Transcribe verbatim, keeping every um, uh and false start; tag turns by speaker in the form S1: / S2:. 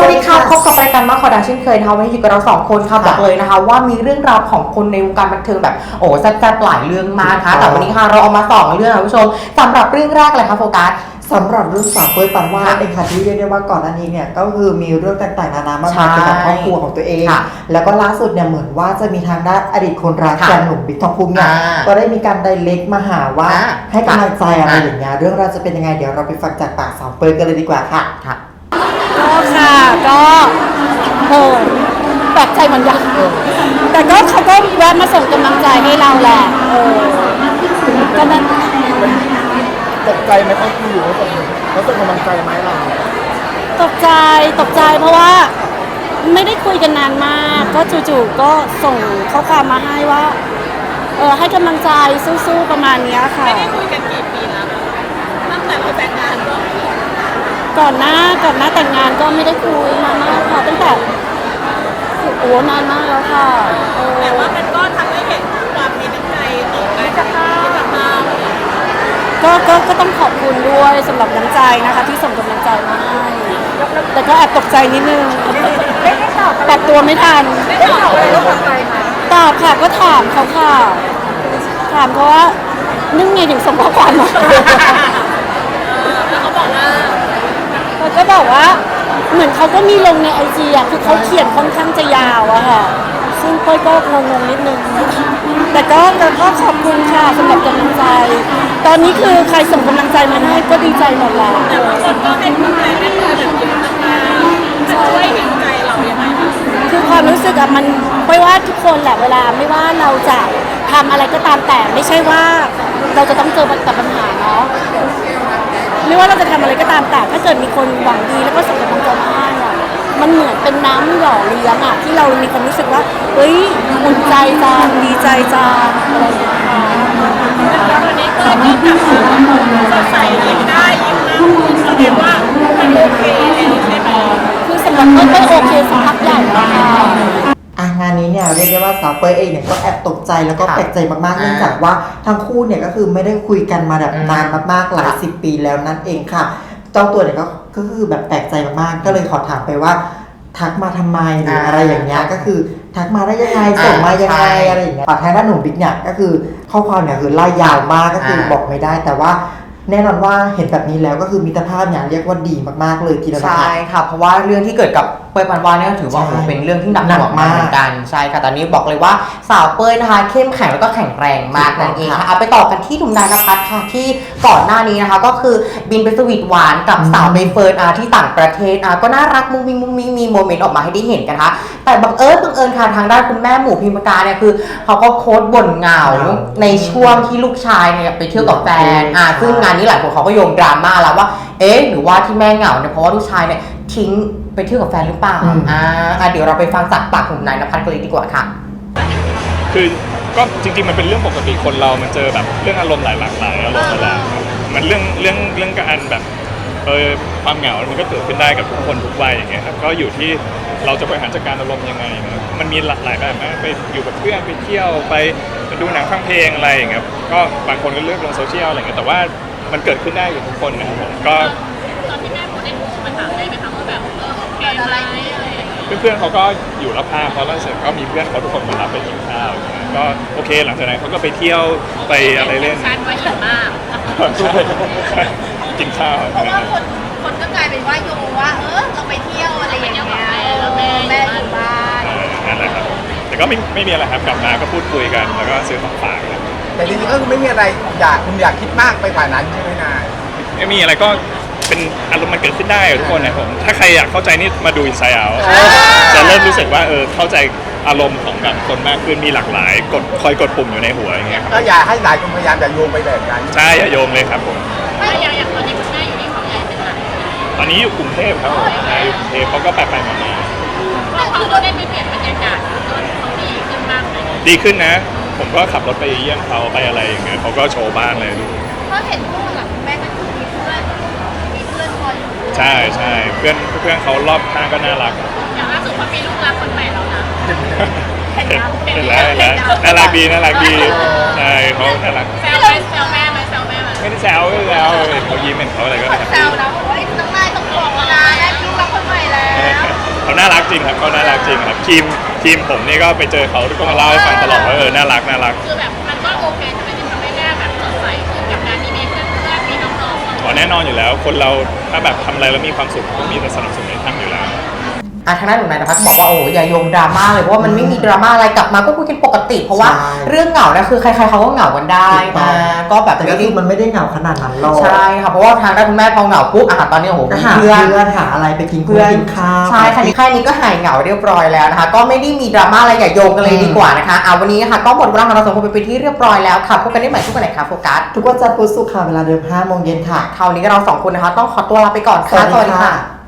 S1: วัสดีค่ะพบกับรายการมาคอดังเช่นเคยนะคะวันนี้อยู่กับเราสองคนค่ะบอกเลยนะคะว่ามีเรื่องราวของคนในวงการบันเทิงแบบโอ้แซ่บๆหลายเรื่องมากนะคะแต่วันนี้ค่ะเราเอามาสองเรื่องค่ะผู้ชมสำหรับเรื่องแรกเลยค่ะโฟกัส
S2: สำหรับเรื่องสาวเป้ยปานวาดเองค่ะที่เรียกได้ว่าก่อนหน้านี้เนี่ยก็คือมีเรื่องต่างๆนานามากมายเกี่ยวกับครอบครัวของตัวเองแล้วก็ล่าสุดเนี่ยเหมือนว่าจะมีทางด้านอดีตคนรักแฟนหนุ่มบิ๊กทองภูมิเนี่ยก็ได้มีการไดเรกมาหาว่าให้กำลังใจอะไรอย่างเงี้ยเรื่องราวจะเป็นยังไงเดี๋ยวเราไปฟังจากปากสาวเป้ยกันเลยดีกว่าค่ะ
S3: ก็ค่ะก็โหแปลกใจเหมือนกันแต่ก็เขาก็แวะมาส่งกำลังใจให้เราแหละเออก็นั้น
S4: ตกใจไหมเขาคุยอยู่เขาส่งเขาส่งกำลังใจไหมเรา
S3: ตกใจตกใจเพราะว่าไม่ได้คุยกันนานมากก็จู่ๆก็ส่งข้อความมาให้ว่าเออให้กำลังใจสู้ๆประมาณนี้ค่ะ
S5: ไม่ได้คุยกันกี่ปีแล้วตั้งแต่เราแต่งงาน
S3: ก่อนหน้าก่อนหน้าแต่งงานก็ไม่ได้คุยนานมากค่ะตั้งแต่โอ้นานมากแล้วค่ะ
S5: แต่ว่ามันก็ทำให้เห็นความมีน้ำใจต่อกันกับเรา
S3: ก็ก็ก็ต้องขอบคุณด้วยสำหรับน้ำใจนะคะที่ส่งกำลังใจมาให้แต่ก็แอบตกใจนิดนึงปรับตัวไม่ทัน
S5: ได้ตอบอะไรก็ตอบไปค่ะ
S3: ตอบค่ะก็ถามเขาค่ะถามเขาว่านึ่งไงถึงส่งข้อความมา
S5: แล้วเขาบอกว่า
S3: เขาก็บอกว่าเหมือนเขาก็มีลงในไอจีอ่ะคือเขาเขียนค่อนข้างจะยาวอะค่ะซึ่งเป้ยก็งงๆนิดนึงแต่ก็แต่ก็ขอบคุณค่ะสำหรับกำลังใจตอนนี้คือใครส่งกำลังใจมาให้ก็ดีใจหมดแล้ว
S5: แต่บางคนก็ให้กำลังใจแม่เพื่อนแบบเยอะมากๆจะช่วยเห็นใจเราอย่างไร
S3: คือความรู้สึกอะมันไม่ว่าทุกคนแหละเวลาไม่ว่าเราจะทำอะไรก็ตามแต่ไม่ใช่ว่าเราจะต้องเจอกับปัญหาเนาะไม่ว่าเราจะทำอะไรก็ตามแต่ถ้าเกิดมีคนหวังดีแล้วก็ส่งกำลังใจมาให้อะมันเหมือนเป็นน้ำหล่อเลี้ยงอะที่เรามีความรู้สึกว่าเฮ้ยอุ่นใจจังดีใจจังอะไรอย่างเงี้ยค่ะ
S5: วันนี้ก็ก็กลับมาสดใสยิ้มได้ยิ้มนะแสดงว่ามันโอเคแล้วใช่ไหม
S3: คือสำหรับเป้ยเป้ยโอเคสักพักใหญ่แล้วค่ะ
S2: อ่ะงานนี้เนี่ยเรียกได้ว่าสาวเป้ยเองเนี่ยก็แอบตกใจแล้วก็แปลกใจมากๆเนื่องจากว่าทั้งคู่เนี่ยก็คือไม่ได้คุยกันมาแบบนานมากๆหลายสิบปีแล้วนั่นเองค่ะเจ้าตัวเนี่ยก็ก็คือแบบแปลกใจมากๆก็เลยขอถามไปว่าทักมาทำไมหรืออะไรอย่างเงี้ยก็คือทักมาได้ยังไงส่งมายังไงอะไรอย่างเงี้ยทางด้านหนุ่มบิ๊กเนี่ยก็คือข้อความเนี่ยคือไล่ยาวมากก็คือบอกไม่ได้แต่ว่าแน่นอนว่าเห็นแบบนี้แล้วก็คือมิตรภาพเนี่ยเรียกว่าดีมากๆเลยทีเดียว
S1: ใช่ค่ะเพราะว่าเรื่องที่เกิดกับเป้ยปานวาดเนี่ยถือว่าเป็นเรื่องที่หนักหน่วงมากเหมือนกันใช่ค่ะตอนนี้บอกเลยว่าสาวเป้ยนะคะเข้มแข็งแล้วก็แข็งแรงมากนั่นเองค่ะเอาไปต่อกันที่หนุ่มนายณภัทรค่ะที่ก่อนหน้านี้นะคะก็คือบินไปสวีทหวานกับสาวใบเฟิร์นอาที่ต่างประเทศอาก็น่ารักมุ้งมิ้งมุ้งมิ้งมีโมเมนต์ออกมาให้ได้เห็นกันค่ะแต่บังเอิญบังเอิญค่ะทางด้านคุณแม่หมู่พิมพ์การเนี่ยคือเขาก็โค้ดบ่นเหงาในช่วงที่ลูกชายเนี่ยไปเที่ยวกับแฟนอ่าซึ่งงานนี้หลายคนเขาก็โยงดราม่าแล้วว่าเอ๊ะหรือว่าที่แม่เหงาเนี่ยเพราะว่าลูกชายเนี่ยทิ้งไปเที่ยวกับแฟนหรือเปล่าอ่าเดี๋ยวเราไปฟังจากปากของนายณภัทรกันเลยดีกว่าค่ะ
S6: คือก็จริงๆมันเป็นเรื่องปกติคนเรามันเจอแบบเรื่องอารมณ์หลายหลากหลายอารมณ์หลายมันเรื่องเรื่องเรื่องการแบบเออความเหงา มันก็เกิดขึ้นได้กับทุกคนทุกวัยอย่างเงี้ยครับก็อยู่ที่เราจะบริหารจัดการอารมณ์ยังไงนะมันมีหลากหลายแบบนะไปอยู่กับเพื่อนไปเที่ยวไปดูหนังฟังเพลงอะไรอย่างเงี้ยก็บางคนก็เลือกลงโซเชียลอะไรเงี้ยแต่ว่ามันเกิดขึ้นได้กับทุกคนนะครับผมก็
S5: ตอนที่แม่พูดได้มาถามได้ไหมคะว่าแบบเออโอเคอะไรอะไร
S6: เพื่อนๆเขาก็อยู่รับภาพเพราะล่าสุดก็มีเพื่อนเขาทุกคนมารับไปกินข้าวอย่างเงี้ยก็โอเคหลังจากนั้นเขาก็ไปเที่ยวไปอะไรเล่น
S5: ชันไว้เยอะมาก
S6: กินข้าว
S5: เพราะว่าคนคนก็กลายเป็นว่าโยงว่าเออเราไปเที่ยวอะไรอย่างเงี้ยแม่แม่อยู่บ้าน
S6: นั่นแหละครับแต่ก็ไม่ไม่มีอะไรครับกลับมาก็พูดคุยกันแล้วก็ซื้อของฝากกัน
S4: แต่จริงๆก็คือไม่มีอะไรอยากคุณอยากคิดมากไปกว่านั้นใช่ไหมนาย
S6: ไม่มีอะไรก็เป็นอารมณ์มันเกิดขึ้นได้ทุกคนนะผมถ้าใครอยากเข้าใจนี่มาดูอินไซด์เอาจะเริ่มรู้สึกว่าเออเข้าใจอารมณ์ของแบบคนมากขึ้นมีหลากหลายกดคอยกดปุ่มอยู่ในหัวอย่างเงี้ยครับ
S4: ก็อย่าให้หลายคนพยายามอย่าโยงไปแบบนั้น
S6: ใช่อย่าโยงเลยครับผม
S5: ไม่อย่างอย่างตอนนี้คุณแม่อยู่ที่เขาใหญ่เป็นหลัก
S6: ตอนนี้อยู่กรุงเทพครับผมอยู่กรุงเทพเขาก็ไปไปมาๆ
S5: ก็คือเราได้ไปเปลี่ยนบรรยากาศก็เขาดีขึ้นมากเลย
S6: ดีขึ้นนะผมก็ขับรถไปเยี่ยมเขาไปอะไรอย่างเงี้ยเขาก็โชว์บ้านเลยดู
S5: เพราะเห็นพวกหลังแม่ก็คือมีเพื่อนมีเพื่อนคอยอยู่
S6: ใช่ใช่เพื่อนเพื่อนเขารอบข้างก็น่ารัก
S5: อย่างล่าสุดเขามีลูกรักคนใหม่แล้วนะ
S6: เห็นแล้วเห็นแล้วน่ารักดีน่ารักดีใช่เขาน่ารัก
S5: แซวแม่แซวแม่ไหมแซวแม่ไหม
S6: ไม่ได้แซวไม่ได้แซวเขายิ้มเห็นเขาอะไรก็
S5: แซวนะบอกว่าน้องนายต้องบอกนะได้ลูกรักคนใหม่แล้ว
S6: เขาน่ารักจริงครับเขาน่ารักจริงครับทีมทีมผมนี่ก็ไปเจอเขาก็มาเล่าให้ฟังตลอดว่าเออน่ารักน่ารัก
S5: คือแบบมันก็โอเคใช่ไหมที่ทำให้แม่แบบสดใสขึ้นกับงานที่มีเพื่อนๆมีน้องๆ
S6: อ๋อแน่นอนอยู่แล้วคนเราถ้าแบบทำอะไรแล้วมีความสุขก็มีแต่สนับสนุนให้ทำอยู่แล้ว
S1: อ่ะทางด้านหนุ่มนายนภัสบอกว่าโอ้อย่าโยงดราม่าเลยเพราะว่ามันไม่มีดราม่าอะไรกลับมาก็คุยกันปกติ เพราะว่า
S2: ใช่
S1: เรื่องเหงาเนี่ยคือใครๆเขาก็เหงากันได้
S2: ถูกต้อ
S1: นะ
S2: ง
S1: ก็แบบ
S2: แต่ก็
S1: ไม่
S2: คื
S1: ได้
S2: อมันไม่ได้เหงาขนาดนั้นหรอก
S1: ใช่ค่ะเพราะว่าทางด้านคุณแม่พอเหงาปุ๊บอ่ะตอนนี้โอ้โห
S2: ก็
S1: มี
S2: หา
S1: เพื่
S2: เพื่
S1: อ
S2: อน นหาอะไรไปกิน
S1: เพื่อน
S2: กินข้าว
S1: ใช่ค่ะแค่นี้ก็หายเหงาเรียบร้อยแล้วนะคะก็ไม่ได้มีดราม่าอะไรอย่าโยงกันเลยดีกว่านะคะเอาวันนี้นะคะก็หมดเวลาของเราสองคนไปเป็นที่เรียบร้อยแล้วค่ะพบกันได้ใหม่ทุกวันไหนคะโฟกัส
S2: ทุกวันจันทร์พุธศุกร์ค่ะเวลาเดิมห้าโมงเย็นค่ะ
S1: คราวนี้ก็เราสองคนนะคะต้องขอตัวลาไปก่อนค่ะ
S2: สวัสดีค่ะ